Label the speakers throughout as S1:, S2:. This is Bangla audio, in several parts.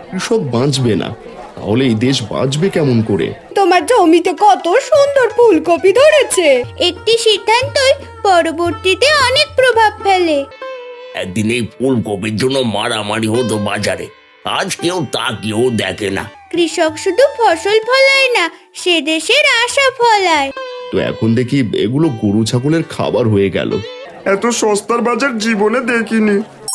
S1: কৃষক বাঁচবে না, তাহলে এই দেশ বাঁচবে কেমন করে?
S2: তোমার জমিতে কত সুন্দর ফুলকপি ধরেছে।
S3: একটি সিদ্ধান্তই পরবর্তীতে অনেক প্রভাব ফেলে।
S4: একদিন এই ফুলকপির জন্য মারামারি হতো বাজারে, আজ কেউ তা কেউ দেখে না।
S3: কৃষক শুধু ফসল ফলায় না, সে দেশের আশা ফলায়।
S1: তো এখন দেখি এগুলো গরু ছাগলের খাবার হয়ে গেল।
S5: এত সস্তার বাজার জীবনে দেখিনি।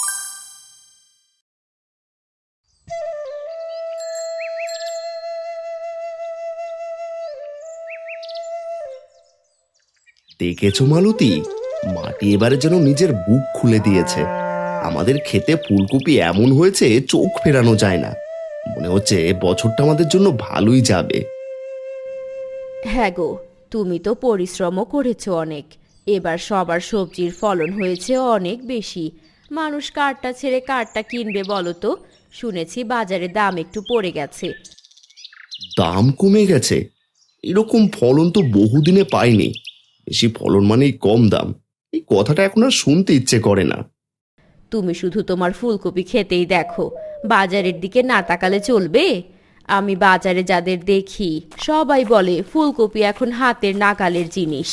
S1: দেখেছো মালতী, মাটি এবারে যেন নিজের বুক খুলে দিয়েছে। আমাদের খেতে ফুলকপি এমন হয়েছে চোখ ফেরানো যায় না। মনে হচ্ছে বছরটা আমাদের জন্য ভালোই যাবে।
S6: হ্যাঁ গো, তুমি তো পরিশ্রমও করেছো অনেক। এবার সবার সবজির ফলন হয়েছে অনেক বেশি। মানুষ কারটা ছেড়ে কারটা কিনবে বলো তো? শুনেছি বাজারে দাম একটু পড়ে গেছে।
S1: দাম কমে গেছে? এরকম ফলন তো বহুদিনে পাইনি। বেশি ফলন মানেই কম দাম, এই কথাটা এখন আর শুনতে ইচ্ছে করে না।
S6: তুমি শুধু তোমার ফুলকপি খেতেই দেখো, বাজারের দিকে না তাকালে চলবে? আমি বাজারে যাদের দেখি সবাই বলে ফুলকপি এখন হাতের নাগালের জিনিস।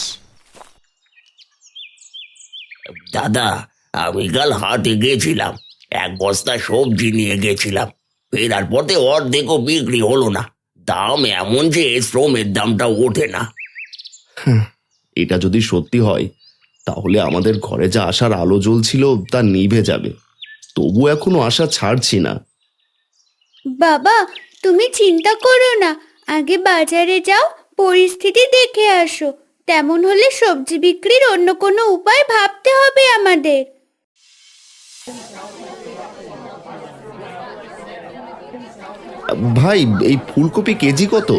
S4: দাদা, আমি কাল হাটে গেছিলাম, এক বস্তা সবজি নিয়ে গেছিলাম। ফেরার পথে অর্ধেকও বিক্রি হলো না। দাম এমন যে শ্রমের দামটা ওঠে না।
S1: এটা যদি সত্যি হয়, তাহলে আমাদের ঘরে যা আশার আলো জ্বলছিল তা নিভে যাবে। তবু এখনো আশা ছাড়ছি না।
S3: বাবা, তুমি চিন্তা করো না, আগে বাজারে যাও, পরিস্থিতি দেখে আসো। তেমন হলে সবজি বিক্রির অন্য কোনো উপায় ভাবতে হবে আমাদের।
S1: ভাই, এই ফুলকপি কেজি কত?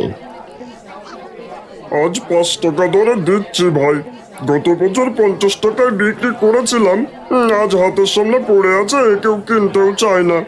S5: আজ 5 টাকা ধরে দিচ্ছি ভাই। গত বছর 50 টাকায় বিক্রি করেছিলাম। আজ হাতের সামনে পড়ে আছে, কেউ কিনতেও চায় না।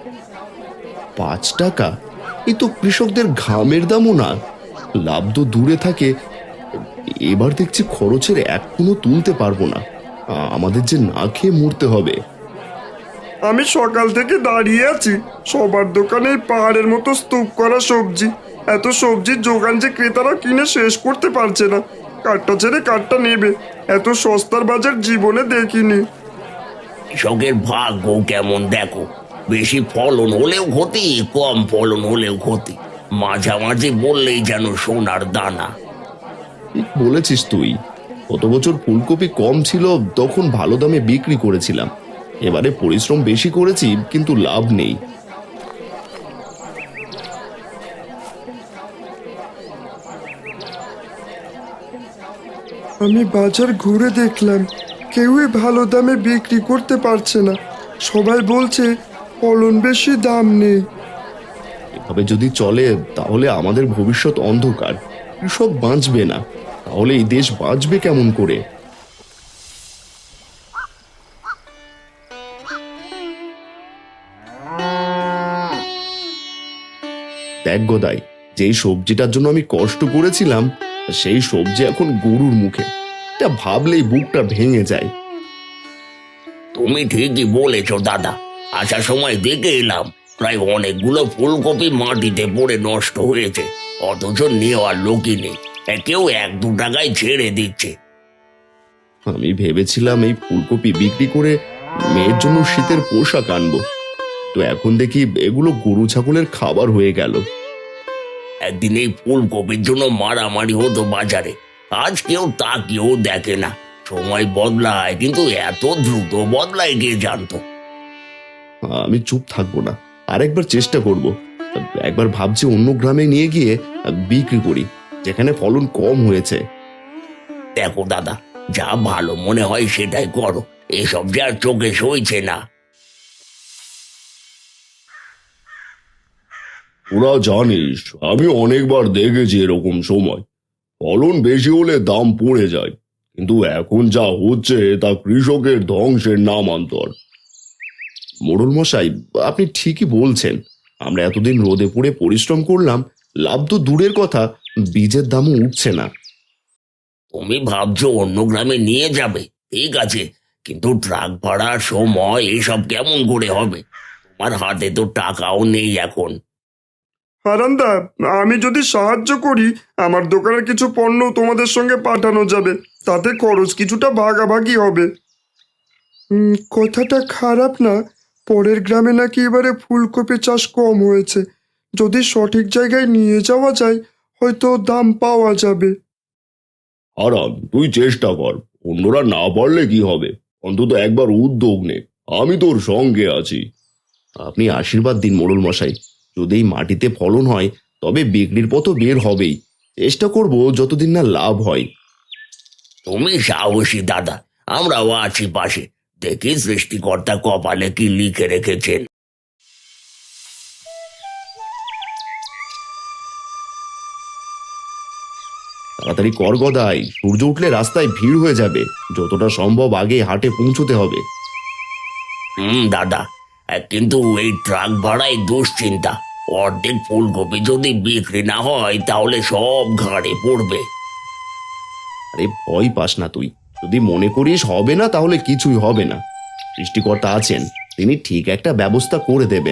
S1: 5 টাকা? এই তো কৃষকদের ঘামের দামও না। লাভ তো দূরে থাকে, এবার দেখছি খরচের এক কোনো তুলতে পারবো না। আমাদের যে না খেয়ে মরতে হবে।
S5: আমি সকাল থেকে দাঁড়িয়ে আছি, সবার দোকানে পাহাড়ের মতো স্তূপ করা সবজি। এত সবজির যোগান যে ক্রেতারা কিনে শেষ করতে পারছে না। কাঠটা ছেড়ে কাঠটা নেবে, এত সস্তার বাজার জীবনে দেখিনি।
S4: কৃষকের ভাগ্য কেমন দেখো, বেশি ফলন হলেও ক্ষতি, কম ফলন হলেও ক্ষতি। মাঝামাঝি বললেই যেন সোনার দানা।
S1: ঠিক বলেছিস তুই। গত বছর ফুলকপি কম ছিল, তখন ভালো দামে বিক্রি করেছিলাম। এবারে পরিশ্রম বেশি করেছি, কিন্তু লাভ নেই।
S5: আমি বাজার ঘুরে দেখলাম, কেউই ভালো দামে বিক্রি করতে পারছে না। সবাই বলছে ফলন বেশি, দাম নেই।
S1: এভাবে যদি চলে তাহলে আমাদের ভবিষ্যৎ অন্ধকার। কৃষক বাঁচবে না, তাহলে এই দেশ বাঁচবে কেমন করে? দেখ গোদাই, যেই সবজিটার জন্য আমি কষ্ট করেছিলাম, সেই সবজি এখন গরুর মুখে। এটা ভাবলেই বুকটা ভেঙে যায়।
S4: তুমি ঠিকই বলেছো দাদা, আসার সময় দেখে এলাম প্রায় অনেকগুলো ফুলকপি মাটিতে পড়ে নষ্ট হয়েছে, অথচ নেওয়ার লোকই নেই। কেউ 1-2 টাকায় ছেড়ে দিচ্ছে।
S1: আমি ভেবেছিলাম এই ফুলকপি বিক্রি করে মেয়ের জন্য শীতের পোশাক আনবো, তো এখন দেখি এগুলো গরু ছাগলের খাবার হয়ে গেল।
S4: একদিন এই ফুলকপির জন্য মারামারি হতো বাজারে, আজ কেউ তা কেউ দেখে না। সময় বদলায়, কিন্তু এত দ্রুত বদলায় কে জানতো।
S1: আমি চুপ থাকবো না, আরেকবার চেষ্টা করব। একবার ভাবছি অন্য গ্রামে নিয়ে গিয়ে বিক্রি করি, যেখানে ফলন কম হয়েছে।
S4: দেখো দাদা, যা ভালো মনে হয় সেটাই করো, এসব যে আর চোখে সইছে না।
S1: ওরা জানিস, আমি অনেকবার দেখেছি এরকম সময়। ফলন বেশি হলে দাম পড়ে যায়, কিন্তু এখন যা হচ্ছে তা কৃষকের ধ্বংসের নামান্তর। মোড়ল মশাই, আপনি ঠিকই বলছেন। আমরা এতদিন রোদে পড়ে পরিশ্রম করলাম, লাভ তো দূরের কথা, বীজের দামও উঠছে না।
S4: তুমি ভাবছো অন্য গ্রামে নিয়ে যাবে, ঠিক আছে, কিন্তু ট্রাক ভাড়া, সময়, এসব কেমন করে হবে? আমার হাতে তো টাকাও নেই এখন।
S5: হারান্দা, আমি যদি সাহায্য করি আমার দোকানের কিছু পণ্য তোমাদের সঙ্গে পাঠানো যাবে, তাতে খরচ কিছুটা ভাগাভাগি হবে। কথাটা খারাপ না। পরের গ্রামে নাকি এবারে ফুলকপি চাষ কম হয়েছে। যদি সঠিক জায়গায় নিয়ে যাওয়া যায় হয়তো দাম পাওয়া যাবে।
S1: হারান, তুই চেষ্টা কর, অন্যরা না পারলে কি হবে, অন্তত একবার উদ্যোগ নে, আমি তোর সঙ্গে আছি। আপনি আশীর্বাদ দিন মোড়ল মশাই, যদি এই মাটিতে ফলন হয় তবে বিক্রির পথও বের হবেই। চেষ্টা করব যতদিন না লাভ হয়।
S4: তুমি সাহসী দাদা, আমরাও আছি পাশে। দেখি সৃষ্টিকর্তা কপালে কি লিখে রেখেছেন।
S1: তাড়াতাড়ি কর গদাই, সূর্য উঠলে রাস্তায় ভিড় হয়ে যাবে, যতটা সম্ভব আগে হাটে পৌঁছতে হবে।
S4: দাদা, কিন্তু এই ট্রাক ভাড়াই দুশ্চিন্তা। অর্ধেক ফুলকপি যদি বিক্রি না হয় তাহলে সব ঘাড়ে পড়বে।
S1: আরে ভয় পাস না তুই, যদি মনে করিস হবে না তাহলে কিছুই হবে না। সৃষ্টিকর্তা আছেন, তিনি ঠিক একটা ব্যবস্থা করে দেবেন।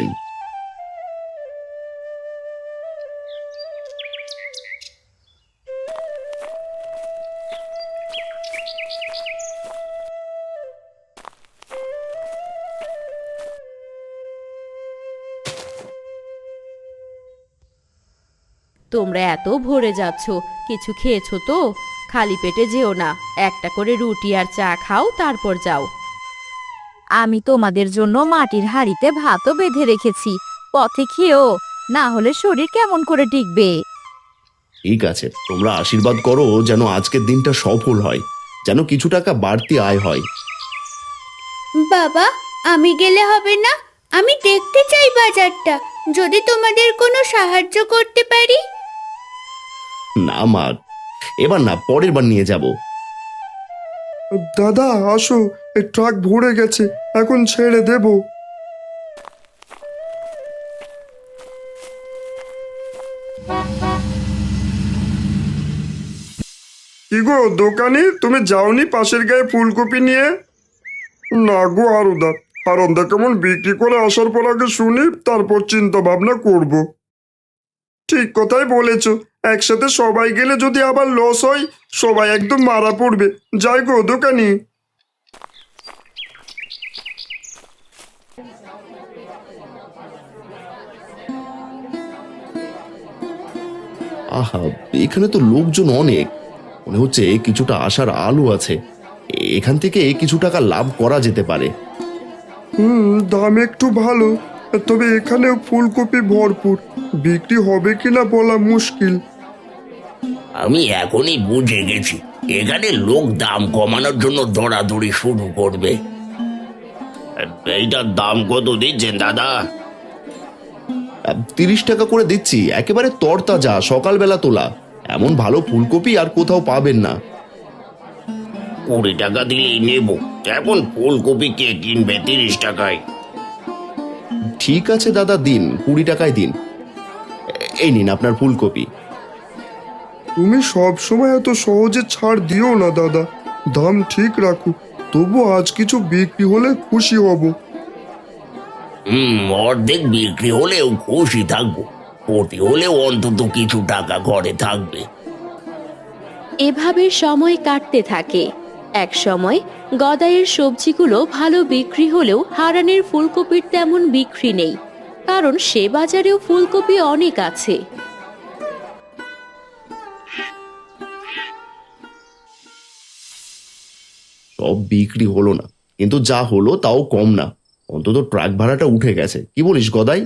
S6: তোমরা এত ভরে যাচ্ছ, কিছু খেয়েছো তো? খালি পেটে যেও না, একটা করে রুটি আর চা খাও, তারপর যাও।
S2: আমি তোমাদের জন্য মাটির হাঁড়িতে ভাতও বেঁধে রেখেছি, পথে খেও, না হলে শরীর কেমন করে টিকবে।
S1: ঠিক আছে, তোমরা আশীর্বাদ করো যেন আজকের দিনটা সফল হয়, যেন কিছু টাকা বাড়তি আয় হয়।
S3: বাবা, আমি গেলে হবে না? আমি দেখতে চাই বাজারটা, যদি তোমাদের কোনো সাহায্য করতে পারি।
S1: না মা, এবার না, পরের বার নিয়ে যাব।
S5: দাদা আসো, এই ট্রাক ভরে গেছে, এখন ছেড়ে দেব। কি গো দোকানি, তুমি যাওনি পাশের গায়ে ফুলকপি নিয়ে? না গো হারুদা, হারন্দা কেমন বিক্রি করে আসার পর আগে শুনি, তারপর চিন্তা ভাবনা করব। ঠিক কথাই বলেছ, একসাথে সবাই গেলে যদি আবার লস হয় সবাই একদম মারা পড়বে। যাই গো দোকানি।
S1: আহা, এখানে তো লোকজন অনেক, মনে হচ্ছে কিছুটা আশার আলো আছে, এখান থেকে কিছু টাকা লাভ করা যেতে পারে।
S5: দাম একটু ভালো, তবে এখানে ফুলকপি ভরপুর, বিক্রি হবে কিনা বলা মুশকিল।
S4: আমি এখনই বুঝে গেছি, এখানে লোক দাম কমানোর জন্য দৌড়াদৌড়ি শুরু করবে। এইটার দাম কত দিচ্ছেন দাদা?
S1: 30 টাকা করে দিচ্ছি, একেবারে তরতাজা, সকালবেলা তোলা, এমন ভালো ফুলকপি আর কোথাও পাবেন না।
S4: 20 টাকা দিলেই নেব, এখন ফুলকপি কে কিনবে 30 টাকায়?
S1: ঠিক আছে দাদা, দিন 20 টাকায় দিন, এই নিন আপনার ফুলকপি।
S5: তুমি সব সময় এত সহজে ছাড় দিও না দাদা, দাম ঠিক রাখো, তবু আজ কিছু বিক্রি হলে খুশি হব।
S4: অর্ধেক বিক্রি হলেও খুশি থাকবো, ক্ষতি হলেও অন্তত কিছু টাকা ঘরে থাকবে।
S6: এভাবে সময় কাটতে থাকে। এক সময় গদাইয়ের সবজিগুলো ভালো বিক্রি হলেও হারানের ফুলকপির তেমন বিক্রি নেই, কারণ সে বাজারেও ফুলকপি অনেক আছে।
S1: সব বিক্রি হলো না, কিন্তু যা হলো তাও কম না, অন্তত ট্রাক ভাড়াটা উঠে গেছে। কি বলিস গদাই?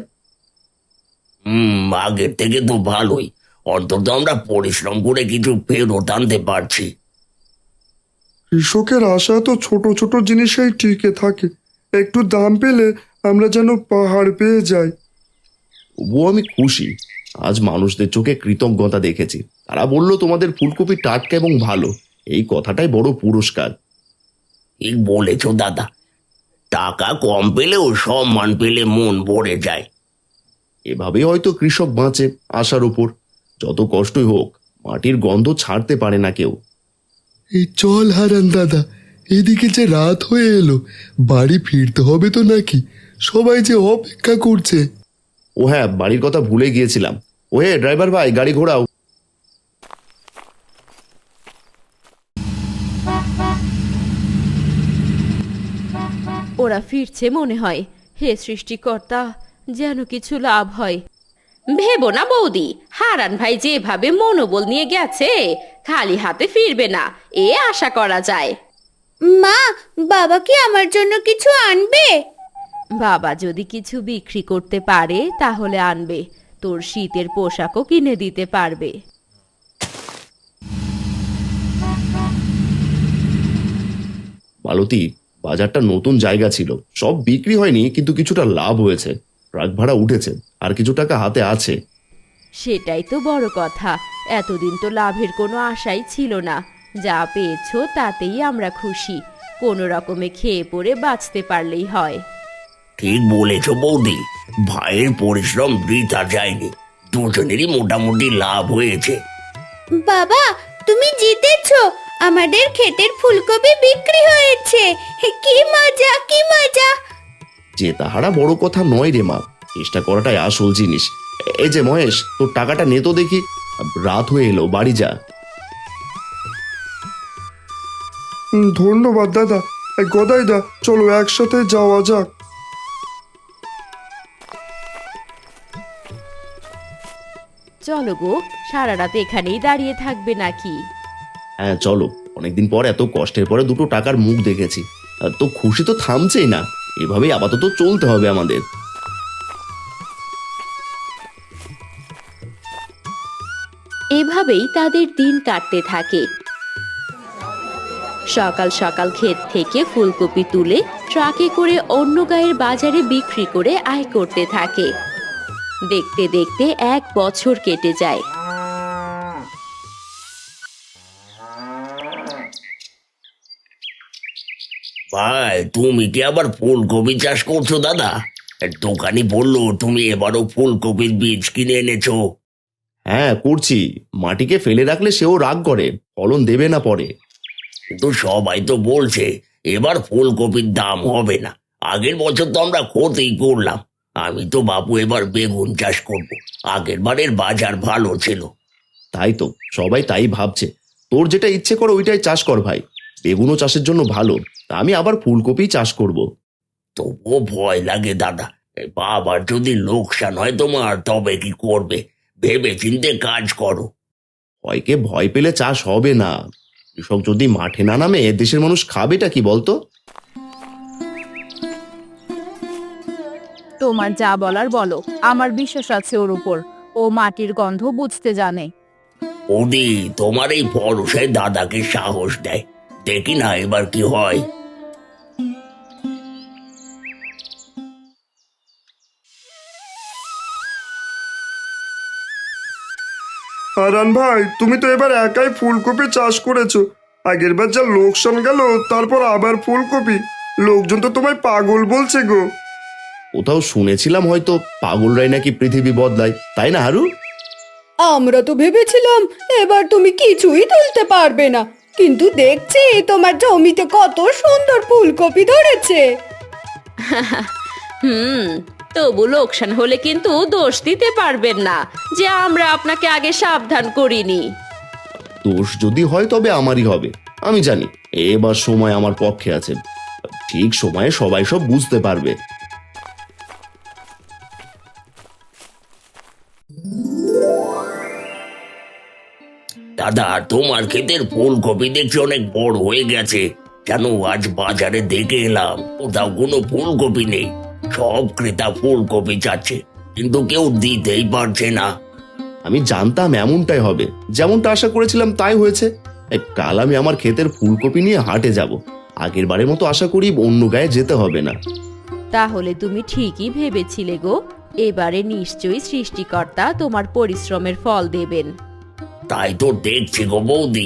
S4: আগের থেকে তো ভালোই, অন্তত আমরা পরিশ্রম করে কিছু ফেরত আনতে পারছি।
S5: কৃষকের আশা তো ছোট ছোট জিনিসেই টিকে থাকে, একটু দাম পেলে আমরা যেন পাহাড় পেয়ে যাই।
S1: তবুও আমি খুশি, আজ মানুষদের চোখে কৃতজ্ঞতা দেখেছি, তারা বলল তোমাদের ফুলকপি টাটকা এবং ভালো, এই কথাটাই বড় পুরস্কার।
S4: ঠিক বলেছ দাদা, টাকা কম পেলেও সম্মান পেলে মন ভরে যায়।
S1: এভাবেই হয়তো কৃষক বাঁচে আশার উপর, যত কষ্টই হোক মাটির গন্ধ ছাড়তে পারে না কেউ।
S7: এই চল হারান দাদা, এদিকে যে রাত হয়ে এলো, বাড়ি ফিরতে হবে তো নাকি? সবাই যে অপেক্ষা করছে।
S1: ও হ্যাঁ, বাড়ির কথা ভুলে গিয়েছিলাম। ও হে ড্রাইভার ভাই, গাড়ি ঘোরাও।
S6: ওরা ফিরছে মনে হয়। হে সৃষ্টিকর্তা, যেন কিছু লাভ হয়। ভেবো না বৌদি, হারান ভাই যেভাবে মনোবল নিয়ে গেছে, খালি হাতে ফিরবে না এ আশা করা যায়।
S3: মা, বাবা কি আমার জন্য কিছু আনবে?
S6: বাবা যদি কিছু বিক্রি করতে পারে তাহলে আনবে, তোর শীতের পোশাকও কিনে দিতে পারবে।
S1: মালতী, বাজারটা নতুন জায়গা ছিল, সব বিক্রি হয়নি কিন্তু কিছুটা লাভ হয়েছে। ট্রাক ভাড়া উঠেছে, আর কিছু টাকা হাতে আছে।
S6: সেটাই তো বড় কথা। এতদিন তো লাভের কোনো আশাই ছিল না, যা পেয়েছো তাতেই আমরা খুশি। কোনো রকমে খেয়ে পড়ে বাঁচতে পারলেই হয়।
S4: ঠিক বলেছ বৌদি, ভাইয়ের পরিশ্রম বৃথা যায়নি, দুজনেরই মোটামুটি লাভ হয়েছে।
S3: বাবা, তুমি জিতেছো, আমাদের ক্ষেতের ফুলকপি বিক্রি হয়েছে। কি মজা, কি মজা!
S1: যে তাহারা বড় কথা নয় রে মা, চেষ্টা করাটাই আসল জিনিস। এই যে মহেশ, তোর টাকাটা নে তো দেখি। রাত হয়ে এলো, বাড়ি যা।
S5: ধন্যবাদ দাদা। গদাইদা, চলো একসাথে যাওয়া যাক।
S6: চলো গো, সারা রাত এখানেই দাঁড়িয়ে থাকবে নাকি?
S1: হ্যাঁ চলো, অনেকদিন পর এত কষ্টের পরে দুটো টাকার মুখ দেখেছি। তো খুশি তো থামছেই না, এভাবেই আপাতত চলতে হবে আমাদের।
S6: এভাবেই তাদের দিন কাটতে থাকে। সকাল সকাল ক্ষেত থেকে ফুলকপি তুলে ট্রাকে করে অন্য গায়ের বাজারে বিক্রি করে আয় করতে থাকে। দেখতে দেখতে 1 বছর কেটে যায়।
S4: ভাই, তুমি কি আবার ফুলকপি চাষ করছো দাদা? দোকানি বললো তুমি এবারও ফুলকপির বীজ কিনে এনেছো।
S1: হ্যাঁ করছি, মাটিকে ফেলে রাখলে সেও রাগ করে, ফলন দেবে না পরে।
S4: কিন্তু সবাই তো বলছে এবার ফুলকপির দাম হবে না। আগের বছর তো আমরা ক্ষতি করলাম। আমি তো বাপু এবার বেগুন চাষ করব, আগের বারের বাজার ভালো ছিল।
S1: তাই তো সবাই তাই ভাবছে। তোর যেটা ইচ্ছে করো ওইটাই চাষ কর ভাই, বেগুনও চাষের জন্য ভালো। তা আমি আবার ফুলকপি চাষ করব।
S4: তবুও ভয় লাগে দাদা, বাবার যদি লোকসান হয় তোমার, তবে কি করবে? ভেবে চিন্তে কাজ করো।
S1: ভয়কে ভয় পেলে চাষ হবে না। কৃষক যদি মাঠে না নামে দেশের মানুষ খাবেটা কি বলতো?
S2: তোমার যা বলার বলো, আমার বিশ্বাস আছে ওর উপর। ও মাটির গন্ধ বুঝতে জানে।
S4: ওদি, তোমার এই ভরসায় দাদাকে সাহস দেয়। দেখি না এবার কি হয়।
S5: হারান ভাই, তুমি তো এবার একাই ফুলকপি চাষ করেছো। আগের বার যা লোকসান গেল, তারপর আবার ফুলকপি। লোকজন তো তোমায় পাগল বলছে গো।
S1: কোথাও শুনেছিলাম হয়তো পাগলরাই নাকি পৃথিবী বদলায়, তাই না হারু?
S8: আমরা তো ভেবেছিলাম এবার তুমি কিছুই তুলতে পারবে না, কিন্তু দেখছি তোমার জমিতে কত সুন্দর ফুলকপি ধরেছে।
S6: তবু লোকসান হলে কিন্তু দোষ দিতে পারবেন না যে আমরা আপনাকে আগে সাবধান করিনি।
S1: দোষ যদি হয় তবে আমারই হবে। আমি জানি এবার সময় আমার পক্ষে আছে, ঠিক সময়ে সবাই সব বুঝতে পারবে।
S4: দাদা, তোমার ক্ষেতের ফুলকপি দেখছি অনেক বড় হয়ে গেছে। কেন আজ বাজারে দেখে এলাম, কোথাও কোনো ফুলকপি নেই। সব ক্রেতা ফুলকপি চাচ্ছে, কিন্তু কেউ দিতেই পারছে না।
S1: আমি জানতাম এমনটাই হবে, যেমনটা আশা করেছিলাম তাই হয়েছে। কাল আমি আমার ক্ষেতের ফুলকপি নিয়ে হাটে যাব। আগের বারের মতো আশা করি অন্য গায়ে যেতে হবে না।
S6: তাহলে তুমি ঠিকই ভেবেছিলে গো, এবারে নিশ্চয়ই সৃষ্টিকর্তা তোমার পরিশ্রমের ফল দেবেন।
S4: তাই তো দেখছি গো বৌদি।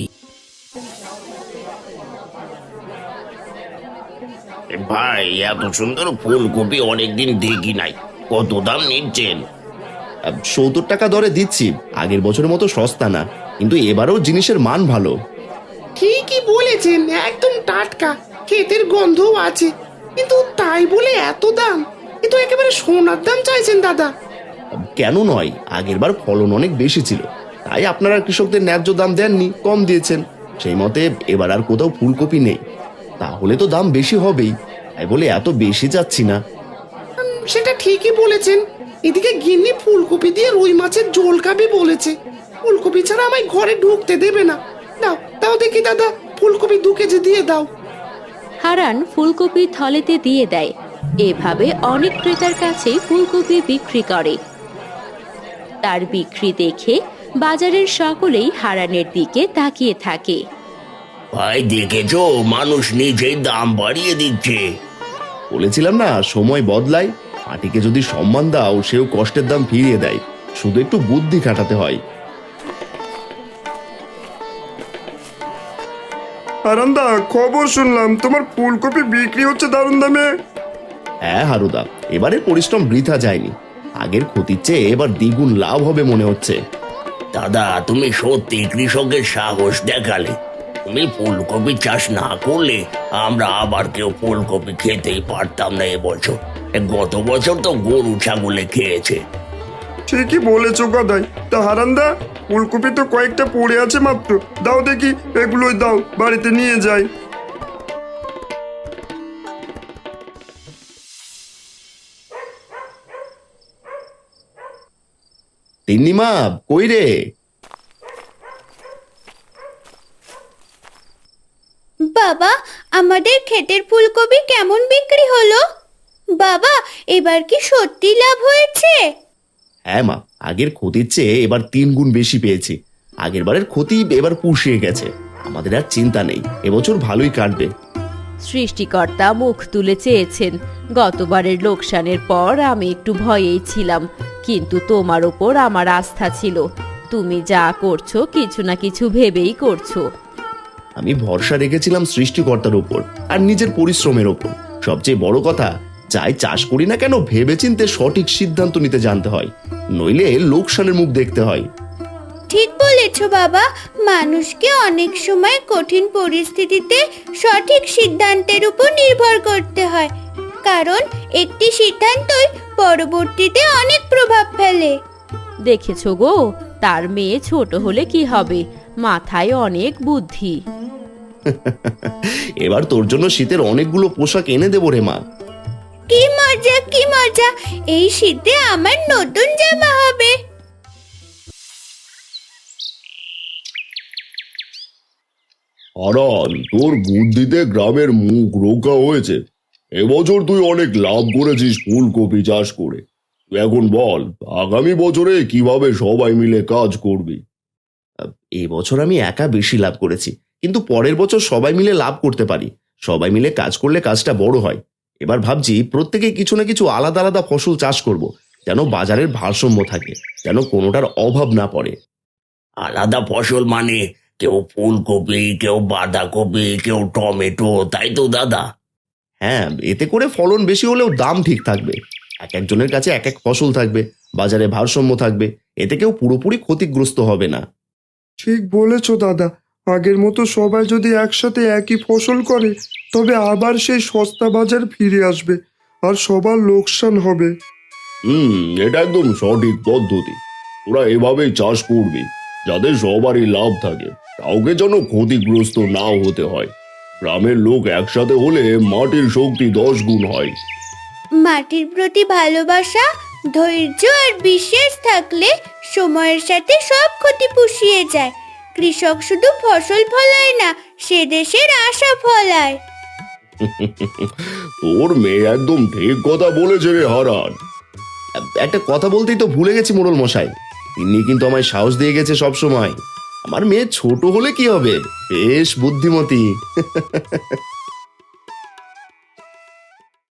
S4: ভাই, এত সুন্দর ফুলকপি অনেকদিন দেখি নাই। কত দাম নিচ্ছেন?
S1: 70 টাকা দরে দিচ্ছি। আগের বছরের মতো সস্তা না, কিন্তু এবারেও জিনিসের মান ভালো।
S9: ঠিকই বলেছেন, একদম টাটকা, ক্ষেতের গন্ধও আছে। কিন্তু তাই বলে এত দাম, এ তো একেবারে সোনার দাম চাইছেন দাদা।
S10: কেন নয়, আগেরবার ফলন অনেক বেশি ছিল, তাই আপনারা কৃষকদের ন্যায্য দাম দেননি, কম দিয়েছেন। সেই মতে এবার আর কোথাও ফুলকপি নেই, তাহলে তো দাম বেশি হবেই, তাই বলে এত বেশি যাচ্ছি না।
S9: সেটা ঠিকই বলেছেন। এদিকে গিন্নি ফুলকপি দিয়ে রুই মাছের ঝোল খাবে বলেছে। ফুলকপি ছাড়া আমায় ঘরে ঢুকতে দেবে না। দাও দাও দেখি দাদা, ফুলকপি 2 কেজি দিয়ে দাও।
S6: হারান ফুলকপি থলেতে দিয়ে দেয়। এভাবে অনেক ক্রেতার কাছেই ফুলকপি বিক্রি করে। তার বিক্রি দেখে বাজারের সকলেই হারানের দিকে তাকিয়ে থাকে।
S4: ভাই দেখেছো, মানুষ নিজেই দাম বাড়িয়ে দিচ্ছে।
S10: বলেছিলাম না, সময় বদলায়। মাটিকে যদি সম্মান দাও, সেও কষ্টের দাম ফিরিয়ে দেয়, শুধু একটু বুদ্ধি খাটাতে হয়।
S5: হারান্দা, খবর শুনলাম তোমার ফুলকপি বিক্রি হচ্ছে দারুণ দামে।
S10: হ্যাঁ হারুদা, এবারে পরিশ্রম বৃথা যায়নি। আগের ক্ষতির চেয়ে এবার দ্বিগুণ লাভ হবে মনে হচ্ছে।
S4: দাদা, তুমি সত্যি কৃষকের সাহস দেখালে। তুমি ফুলকপি চাষ না করলে আমরা আবার কেউ ফুলকপি খেতেই পারতাম না এবছর। গত বছর তো গরু ছাগলে খেয়েছে।
S5: ঠিকই বলেছো গদাই। তা হারান্দা, ফুলকপি তো কয়েকটা পড়ে আছে মাত্র, দাও দেখি, এগুলোই দাও, বাড়িতে নিয়ে যাই।
S10: তিন্নিমা, কই রে?
S3: বাবা, আমাদের ক্ষেতের ফুলকপি কেমন বিক্রি হলো? বাবা, এবার কি সত্যি লাভ হয়েছে?
S10: হ্যাঁ মা, আগের ক্ষতির চেয়ে এবার 3 গুণ বেশি পেয়েছি। আগের বারের ক্ষতি এবার পুষিয়ে গেছে, আমাদের আর চিন্তা নেই, এবছর ভালোই কাটবে।
S6: সৃষ্টিকর্তা মুখ তুলে চেয়েছেন। গতবারের লোকসানের পর আমি একটু ভয়েই ছিলাম, কিন্তু তোমার ওপর আমার আস্থা ছিল। তুমি যা করছো কিছু না কিছু ভেবেই করছো।
S10: আমি ভরসা রেখেছিলাম সৃষ্টিকর্তার উপর আর নিজের পরিশ্রমের ওপর। সবচেয়ে বড় কথা, যাই চাষ করি না কেন ভেবেচিন্তে সঠিক সিদ্ধান্ত নিতে জানতে হয়, নইলে লোকসানের মুখ দেখতে হয়।
S3: ঠিক বলেছ বাবা, মানুষকে অনেক সময় কঠিন পরিস্থিতিতে সঠিক সিদ্ধান্তের উপর নির্ভর করতে হয়, কারণ একটি সিদ্ধান্তই পরবর্তীতে অনেক প্রভাব ফেলে।
S6: দেখেছো গো, তার মেয়ে ছোট হলে কি হবে, মাথায় অনেক বুদ্ধি।
S10: এবার তোর জন্য শীতের অনেকগুলো পোশাক এনে দেবো রে মা।
S3: কি মজা, কি মজা! এই শীতে আমার নতুন জামা হবে।
S1: হারান, তোর বুদ্ধিতে গ্রামের মুখ রক্ষা হয়েছে। এবছর তুই অনেক লাভ করেছিস ফুলকপি চাষ করে। তুই এখন বল, আগামী বছরে কিভাবে সবাই মিলে কাজ করবি?
S10: এই বছর আমি একা বেশি লাভ করেছি, কিন্তু পরের বছর সবাই মিলে লাভ করতে পারি। সবাই মিলে কাজ করলে কাজটা বড় হয়। এবার ভাবছি প্রত্যেকে কিছু না কিছু আলাদা আলাদা ফসল চাষ করব, যেন বাজারের ভারসাম্য থাকে, যেন কোনোটার অভাব না পড়ে।
S4: আলাদা ফসল মানে কেউ ফুলকপি, কেউ বাঁধাকপি, কেউ টমেটো, তাই তো দাদা?
S10: হ্যাঁ, এতে করে ফলন বেশি হলেও দাম ঠিক থাকবে। এক একজনের কাছে এক এক ফসল থাকবে, বাজারে ভারসাম্য থাকবে, এতে কেউ পুরোপুরি ক্ষতিগ্রস্ত হবে না।
S5: ঠিক বলেছো দাদা। আগের মতো সবাই যদি একসাথে একই ফসল করে, তবে আবার সেই সস্তা বাজার ফিরে আসবে আর সবার লোকসান হবে।
S1: এটা একদম সঠিক পদ্ধতি। তোরা এভাবেই চাষ করবি, যাতে সবারই লাভ থাকে, কাউকে যেন ক্ষতিগ্রস্ত না হতে হয়। গ্রামের লোক একসাথে হলে মাটির শক্তি 10 গুণ হয়।
S3: মাটির প্রতি ভালোবাসা, ধৈর্য আর বিশ্বাস থাকলে সময়ের সাথে সব ক্ষতি পুষিয়ে যায়। কৃষক শুধু ফসল ফলায় না, সে দেশের আশা ফলায়।
S1: তোর মেয়ে একদম ঠিক কথা বলেছে রে হারান।
S10: একটা কথা বলতেই তো ভুলে গেছি মোড়ল মশাই, তিনি কিন্তু আমায় সাহস দিয়ে গেছে সব সময়। আমার মেয়ে ছোট হলে কি হবে, বেশ বুদ্ধিমতী।